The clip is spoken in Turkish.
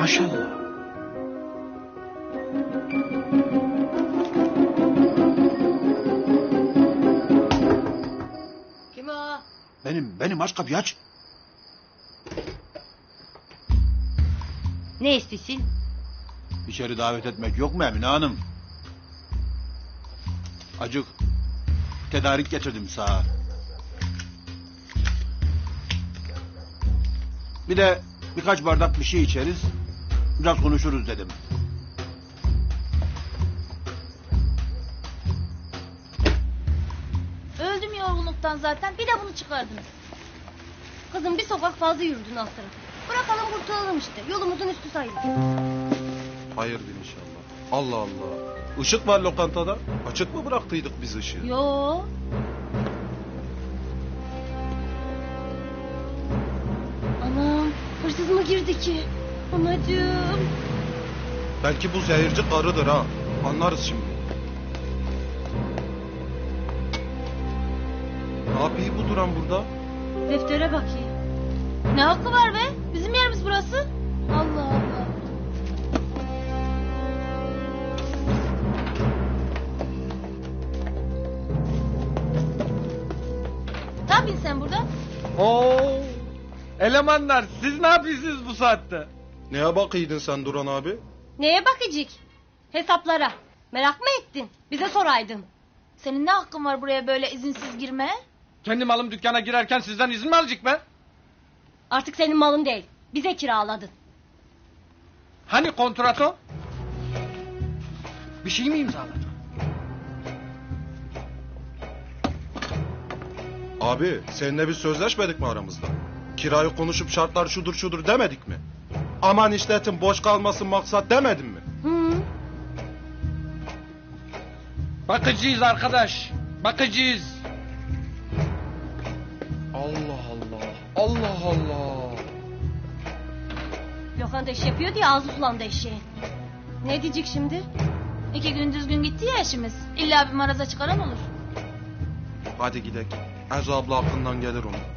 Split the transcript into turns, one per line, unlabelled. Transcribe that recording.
Maşallah.
Kim o?
Benim aç kapıyı aç.
Ne istesin?
İçeri davet etmek yok mu Emine Hanım? Acık tedarik getirdim sağa. Bir de birkaç bardak bir şey içeriz. Biraz konuşuruz dedim.
Öldüm yorgunluktan zaten. Bir de bunu çıkardınız. Kızım bir sokak fazla yürüdün alt tarafı. Bırakalım kurtulalım işte. Yolumuzun üstü sayılır.
Hayırdır inşallah. Allah Allah. Işık var lokantada. Açık mı bıraktıydık biz ışığı?
Yo. Anam hırsız mı girdi ki? Anacığım.
Belki bu zehirci karıdır ha. Anlarız şimdi. Ne yapıyor bu duran burada?
Deftere bakayım. Ne hakkı var be? Bizim yerimiz burası. Allah Allah. Ne yapıyorsun sen burada?
Oo! Elemanlar siz ne yapıyorsunuz bu saatte?
Neye bakıydın sen Duran abi?
Neye bakacak? Hesaplara. Merak mı ettin? Bize soraydın.
Senin ne hakkın var buraya böyle izinsiz girmeye?
Kendi malım dükkana girerken sizden izin mi alacak be?
Artık senin malın değil. Bize kiraladın.
Hani kontrato? Bir şey mi imzaladın?
Abi seninle biz sözleşmedik mi aramızda? Kirayı konuşup şartlar şudur demedik mi? Aman işletin boş kalmasın maksat demedim mi?
Hı.
Bakıcıyız arkadaş. Bakıcıyız.
Allah Allah. Allah Allah.
Lokanta iş yapıyor diye ağzı sulandı eşeğin. Ne diyecek şimdi?
2 gün düzgün gitti ya işimiz. İlla bir maraza çıkaran olur.
Hadi gidelim. Ezo abla aklından gelir onun.